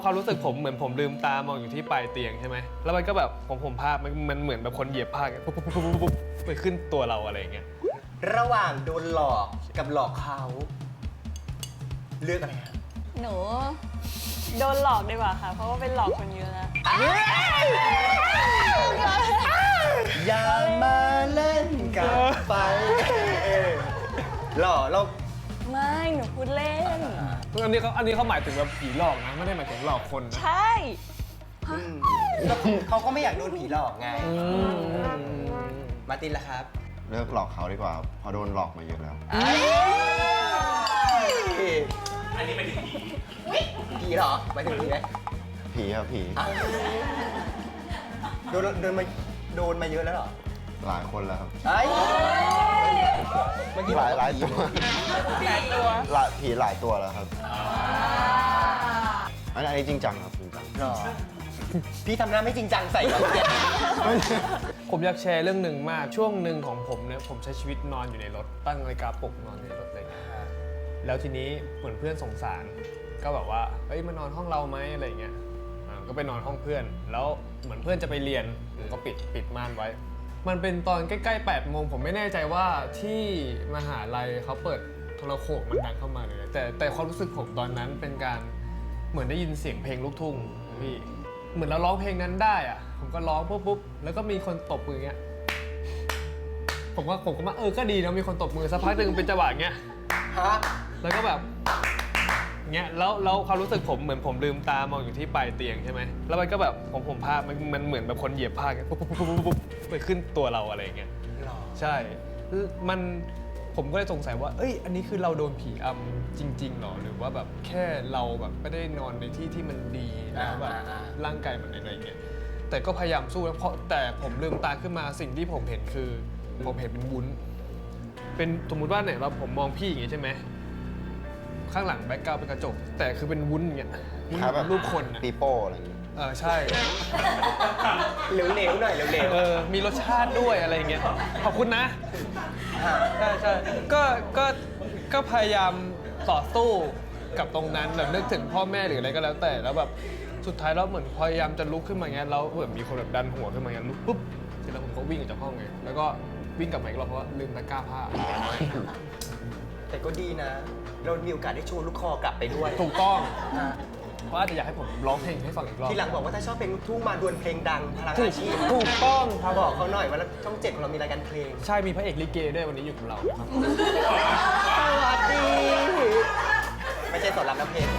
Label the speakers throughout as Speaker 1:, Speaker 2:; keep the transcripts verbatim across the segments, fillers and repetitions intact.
Speaker 1: ความรู้สึกผมเหมือนผมลืมตามองอยู่ที่ปลายเตียงใช่ไหมแล้วมันก็แบบผมผมภาพมันมันเหมือนแบบคนเหยียบผ้าปุ๊บปุ๊บปุ๊บปุ๊บไปขึ้นตัวเราอะไรอย่างเงี้ย
Speaker 2: ระหว่างโดนหลอกกับหลอกเขาเลือกอะไรฮะ
Speaker 3: หนูโดนหลอกดีกว่าค่ะ เพราะว่าเป็นหลอกคนเยอะแล้ว
Speaker 2: อย่ามาเล่นกับไฟหล่อเรา
Speaker 3: ไม่หนูพูดเล่น
Speaker 1: อันนี้เขาอันนี้เขาหมายถึงแบบผีหลอกนะไม่ได้หมายถึงหลอกคนนะ
Speaker 3: ใช่
Speaker 2: ก็เขาก็ไม่อยากโดนผีหลอกไงมาร์ตินล่ะครับ
Speaker 4: เลิกหลอกเขาดีกว่าเพอโดนหลอกมาเยอะแล้ว
Speaker 2: อันนี้เป็นผีผีเหรอหมายถึงผีไหม
Speaker 4: ผีครับผี
Speaker 2: โดนโดนมาโดนมาเยอะแล้วเหรอ
Speaker 4: หลายคนแล้วครับ
Speaker 2: ไอ้เมื่อกี้
Speaker 4: หลายหลายตัว
Speaker 3: หลายตัว
Speaker 4: หลายผีหลายตัวแล้วครับอันนี้จริงจังครับจริงจัง
Speaker 2: หรอพี่ทำหน้าไม่จริงจังใส่เราเนี่ย
Speaker 1: ผมอยากแชร์เรื่องหนึ่งมากช่วงหนึ่งของผมเนี่ยผมใช้ชีวิตนอนอยู่ในรถตั้งนาฬิกาปลุกนอนอยู่ในรถอะไรอย่างเงี้ยแล้วทีนี้เหมือนเพื่อนสงสารก็แบบว่าเฮ้ยมานอนห้องเราไหมอะไรอย่างเงี้ยอ่าก็ไปนอนห้องเพื่อนแล้วเหมือนเพื่อนจะไปเรียนผมก็ปิดปิดม่านไว้มันเป็นตอนใกล้ๆแปดโมงผมไม่แน่ใจว่าที่มหาลัยเขาเปิดโทรโข่งมันดังเข้ามาเลยแต่แต่ความรู้สึกผมตอนนั้นเป็นการเหมือนได้ยินเสียงเพลงลูกทุ่งพี่เหมือนเราร้องเพลงนั้นได้อะผมก็ร้องปุ๊บปุ๊บแล้วก็มีคนตบมืออย่างเงี้ยผมก็ผมก็มาเออก็ดีนะมีคนตบมือสักพักหนึ่งเป็นจังหวะเงี้ย
Speaker 2: ฮะ
Speaker 1: แล้วก็แบบเงี้ยแล้วแล้วความรู้สึกผมเหมือนผมลืมตามองอยู่ที่ปลายเตียงใช่ไหมแล้วมันก็แบบผมผมภาพมันมันเหมือนแบบคนเหยียบผ้าเงี้ยปุ๊บปุ๊บปุ๊บปุ๊บปุ๊บไปขึ้นตัวเราอะไรอย่างเงี้ย
Speaker 2: หรอ
Speaker 1: ใช่มันผมก็เลยสงสัยว่าเอ้ยอันนี้คือเราโดนผีอำจริงๆหรอหรือว่าแบบแค่เราแบบไม่ได้นอนในที่ที่มันดีแล้วแบบร่างกายมันอะไรอย่างเงี้ยแต่ก็พยายามสู้แล้วเพราะแต่ผมลืมตาขึ้นมาสิ่งที่ผมเห็นคือผมเห็นเป็นวุ้นเป็นสมมุติว่าเนี่ยเราผมมองพี่อย่างงี้ใช่ไหมข้างหลังแบ็คกราวด์เป็นกระจกแต่คือเป็นวุ้นอย่างเงี้ยวุ้น
Speaker 4: คล้ายแบบ
Speaker 1: รูปคนอะ
Speaker 4: ปีโป้อะไรอย่างเงี้ย
Speaker 1: เออใช่
Speaker 2: เหลวๆหน่อยเหลว
Speaker 1: เออมีรสชาติด้วยอะไรอย่างเงี้ยขอบคุณนะ
Speaker 2: ๆฮะ
Speaker 1: ใช่ใช่ก็ก็ก็พยายามต่อสู้กับตรงนั้นแบบนึกถึงพ่อแม่หรืออะไรก็แล้วแต่แล้วแบบสุดท้ายแล้วเหมือนพยายามจะลุกขึ้นมาเงี้ยแล้วเหมือนมีคนแบบดันหัวขึ้นมาเงี้ยลุกปุ๊บเสร็จแล้วผมก็วิ่งออกจากห้องไงแล้วก็วิ่งกลับมาอีกรอบเพราะว่าลืมตะกร้าผ้า
Speaker 2: แต่ก็ดีนะ เรามีโอกาสได้โชว์ลูกคอกลับไปด้วย
Speaker 1: ถูกต้อง
Speaker 2: ฮะ
Speaker 1: เพราะอาจจะอยากให้ผมร้องเพลงให้ฟังอีกรอบ
Speaker 2: ทีหลังบอกว่าถ้าชอบเพลงลูกทุ่งมาดวลเพลงดังพลัง
Speaker 1: ถูก
Speaker 2: อาชีพ
Speaker 1: ถูกต้องครับ
Speaker 2: บอกเขาหน่อยว่าช่องเจ็ดของเรามีรายการเพลง
Speaker 1: ใช่มีพระเอกลิเกด้วยวันนี้อยู่กับเรานะครับ
Speaker 2: สวัสดี ไม่ใช่สอนรามน้ำเพลง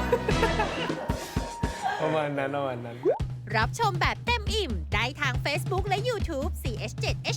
Speaker 1: ประมาณนั้นประมาณนั้น
Speaker 5: รับชมแบบเต็มอิ่มได้ทาง Facebook และ YouTube ซี เอช เจ็ด เอ